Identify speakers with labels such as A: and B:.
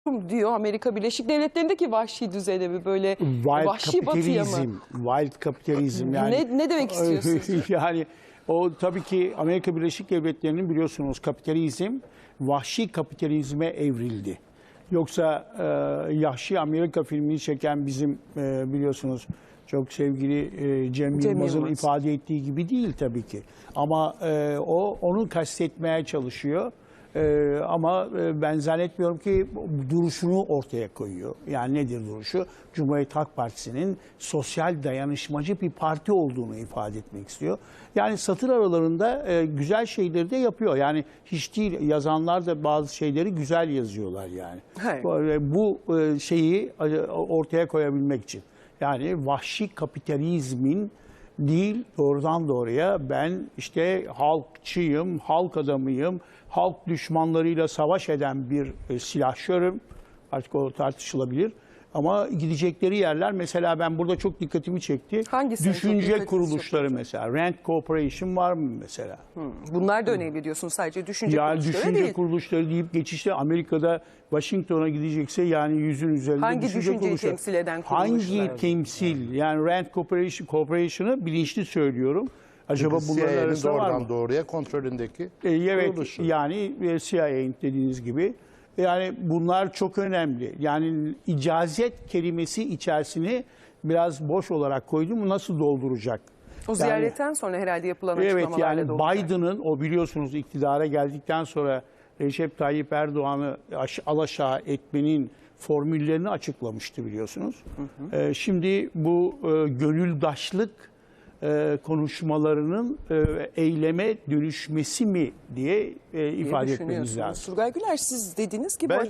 A: diyor Amerika Birleşik Devletleri'ndeki vahşi düzene mi, böyle vahşi batıya mı?
B: Wild kapitalizm yani.
A: Ne demek istiyorsunuz?
B: Yani o tabii ki Amerika Birleşik Devletleri'nin biliyorsunuz kapitalizm vahşi kapitalizme evrildi. Yoksa Yahşi Amerika filmini çeken bizim biliyorsunuz çok sevgili Cem Yılmaz'ın ifade ettiği gibi değil tabii ki. Ama onu kastetmeye çalışıyor. Ama ben zannetmiyorum ki duruşunu ortaya koyuyor. Yani nedir duruşu? Cumhuriyet Halk Partisi'nin sosyal dayanışmacı bir parti olduğunu ifade etmek istiyor. Yani satır aralarında güzel şeyleri de yapıyor. Yani hiç değil, yazanlar da bazı şeyleri güzel yazıyorlar yani. Bu şeyi ortaya koyabilmek için. Yani vahşi kapitalizmin değil, doğrudan doğruya ben işte halkçıyım, halk adamıyım, halk düşmanlarıyla savaş eden bir silahşörüm. Artık o tartışılabilir. Ama gidecekleri yerler, mesela ben burada çok dikkatimi çekti.
A: Hangisi
B: düşünce kuruluşları mesela. Rand Corporation var mı mesela?
A: Bunlar da önemli diyorsunuz, sadece düşünce
B: yani
A: kuruluşları
B: düşünce
A: değil.
B: kuruluşları deyip geçişte Amerika'da Washington'a gidecekse yani yüzün üzerinde
A: hangi düşünceyi
B: kuruluşları.
A: temsil eden kuruluşlar?
B: Hangi temsil? Yani Rand Corporation'ı bilinçli söylüyorum. Acaba bunların arasında var mı?
C: Doğruya kontrolündeki
B: Evet,
C: kuruluşu.
B: yani CIA'nin dediğiniz gibi. Yani bunlar çok önemli. Yani icazet kelimesi içerisini biraz boş olarak koydum. Nasıl dolduracak?
A: O ziyaretten sonra herhalde yapılan
B: Evet,
A: açıklamalarla
B: yani
A: dolacak.
B: Biden'ın o biliyorsunuz iktidara geldikten sonra Recep Tayyip Erdoğan'ı alaşağı etmenin formüllerini açıklamıştı biliyorsunuz. Şimdi bu gönüldaşlık konuşmalarının eyleme dönüşmesi mi diye ifade etmemiz lazım.
A: Turgay Güler, siz dediniz ki
C: Ben